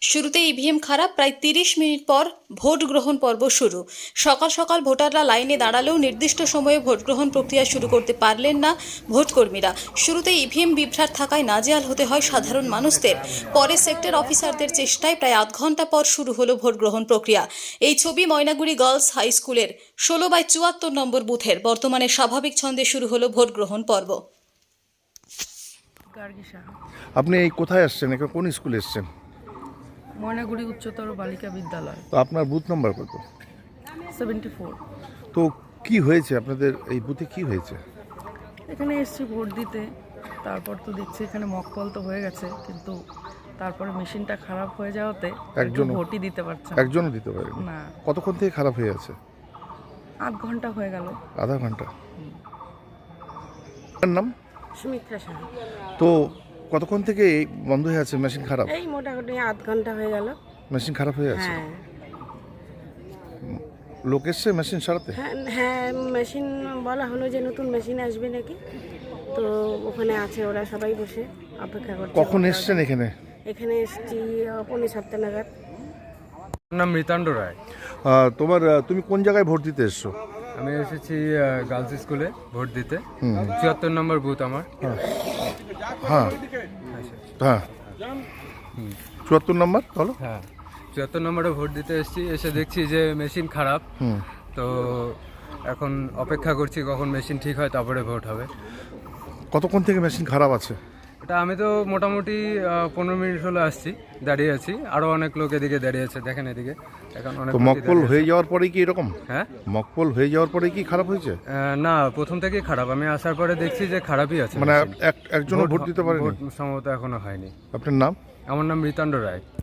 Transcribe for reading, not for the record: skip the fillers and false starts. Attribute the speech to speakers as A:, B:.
A: শুরুতে ইভিএম খারাপ, প্রায় ৩০ মিনিট পর ভোট গ্রহণ পর্ব শুরু। সকাল সকাল ভোটাররা লাইনে দাঁড়ালেও নির্দিষ্ট সময়ে ভোট গ্রহণ প্রক্রিয়া শুরু করতে পারলেন না ভোটকর্মীরা। শুরুতে ইভিএম বিভ্রাট থাকায় নাজেহাল হতে হয় সাধারণ মানুষদের। পরে সেক্টর অফিসারদের চেষ্টায় প্রায় আধ ঘন্টা পর শুরু হলো ভোট গ্রহণ প্রক্রিয়া। এই ছবি ময়নাগুড়ি গার্লস হাই স্কুলের 16/74 নম্বর বুথের। বর্তমানে স্বাভাবিক ছন্দে শুরু হলো ভোট গ্রহণ পর্ব।
B: আপনি এই কোথায় আসছেন? এখানে কোন স্কুলে এসছেন?
C: ময়নাগুড়ি উচ্চতর বালিকা বিদ্যালয়।
B: তো আপনার বুথ নাম্বার কত?
C: 74।
B: তো কি হয়েছে আপনাদের এই বুথে, কি হয়েছে?
C: এখানে এসছি ভোট দিতে, তারপর তো দেখছি এখানে মকপল তো হয়ে গেছে, কিন্তু তারপরে মেশিনটা খারাপ হয়ে যাওয়াতে একজন ভোটই দিতে পারছে না।
B: একজনও দিতে পারেনি?
C: না,
B: কতক্ষণ থেকে খারাপ হয়ে আছে?
C: আধ ঘন্টা হয়ে গেল।
B: আধা ঘন্টা। আপনার নাম?
D: সুমিত্রা সাহা।
B: তো কতক্ষণ থেকে এই বন্ধ হয়ে আছে মেশিন খারাপ?
D: এই মোটামুটি আধ ঘন্টা হয়ে গেল।
B: মেশিন খারাপ হয়ে আছে?
D: হ্যাঁ
B: লোক এসছে মেশিন সারাতে?
D: হ্যাঁ হ্যাঁ, মেশিন বলা হলো যে নতুন মেশিন আসবে নাকি, তো ওখানে আছে, ওরা সবাই বসে অপেক্ষা করছে।
B: কখন এসছেন এখানে?
D: এখানে এসছি 6:45 নাগাদ।
E: আমার নাম মৃতাণ্ড রায়।
B: তুমি কোন জায়গায় ভোট দিতে এসছো?
E: আমি এসেছি গার্লস স্কুলে ভোট দিতে। 74 নম্বর বুথ আমার।
B: হ্যাঁ হ্যাঁ, 74 নম্বর বলো।
E: হ্যাঁ, 74 নম্বরে ভোট দিতে এসেছি। এসে দেখছি যে মেশিন খারাপ। তো এখন অপেক্ষা করছি কখন মেশিন ঠিক হয়, তারপরে ভোট হবে।
B: কতক্ষণ থেকে মেশিন খারাপ আছে?
E: এটা আমি তো মোটামুটি 15 মিনিট হলো আসছি, দাঁড়িয়ে আছি। আরও অনেক লোক এদিকে দাঁড়িয়ে আছে, দেখেন এদিকে। এখন অনেক
B: তো মকপল হয়ে যাওয়ার পরেই কি এরকম?
E: হ্যাঁ,
B: মকপল হয়ে যাওয়ার পরেই কি খারাপ হয়েছে?
E: না, প্রথম থেকেই খারাপ। আমি আসার পরে দেখছি যে খারাপই আছে।
B: মানে
E: machine।
B: একজনও ভোট দিতে পারেনি?
E: ভোট সম্ভবত এখনো হয়নি।
B: আপনার নাম?
E: আমার নাম মৃতাণ্ড রায়।